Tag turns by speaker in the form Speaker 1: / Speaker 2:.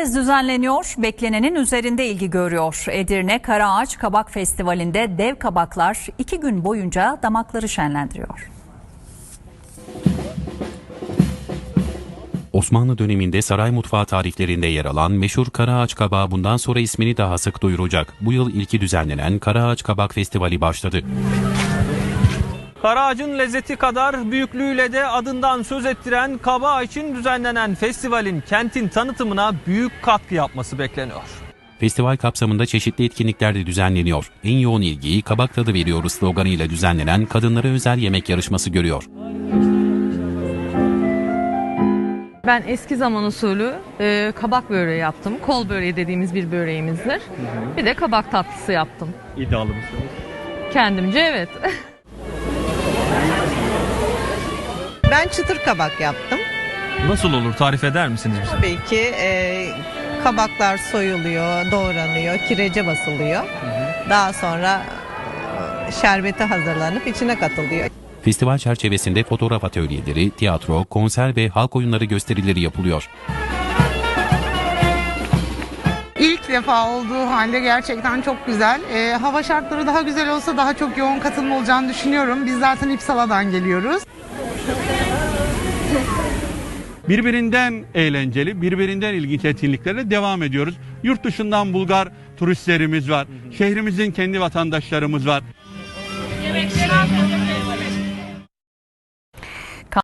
Speaker 1: kez düzenleniyor, beklenenin üzerinde ilgi görüyor. Edirne Karaağaç Kabak Festivali'nde dev kabaklar 2 gün boyunca damakları şenlendiriyor.
Speaker 2: Osmanlı döneminde saray mutfağı tariflerinde yer alan meşhur Karaağaç kabağı bundan sonra ismini daha sık duyuracak. Bu yıl ilki düzenlenen Karaağaç Kabak Festivali başladı.
Speaker 3: Karaağaç'ın lezzeti kadar büyüklüğüyle de adından söz ettiren kabağı için düzenlenen festivalin kentin tanıtımına büyük katkı yapması bekleniyor.
Speaker 2: Festival kapsamında çeşitli etkinlikler de düzenleniyor. En yoğun ilgiyi kabak tadı veriyoruz sloganıyla düzenlenen kadınlara özel yemek yarışması görüyor.
Speaker 4: Ben eski zaman usulü kabak böreği yaptım. Kol böreği dediğimiz bir böreğimizdir. Bir de kabak tatlısı yaptım.
Speaker 3: İddialı mısınız?
Speaker 4: Kendimce evet.
Speaker 5: Ben çıtır kabak yaptım.
Speaker 3: Nasıl olur, tarif eder misiniz bize?
Speaker 5: Tabii ki kabaklar soyuluyor, doğranıyor, kirece basılıyor. Daha sonra şerbeti hazırlanıp içine katılıyor.
Speaker 2: Festival çerçevesinde fotoğraf atölyeleri, tiyatro, konser ve halk oyunları gösterileri yapılıyor.
Speaker 6: İlk defa olduğu halde gerçekten çok güzel. Hava şartları daha güzel olsa daha çok yoğun katılım olacağını düşünüyorum. Biz zaten İpsala'dan geliyoruz.
Speaker 7: Birbirinden eğlenceli, birbirinden ilginç etkinliklerle devam ediyoruz. Yurt dışından Bulgar turistlerimiz var. Şehrimizin kendi vatandaşlarımız var.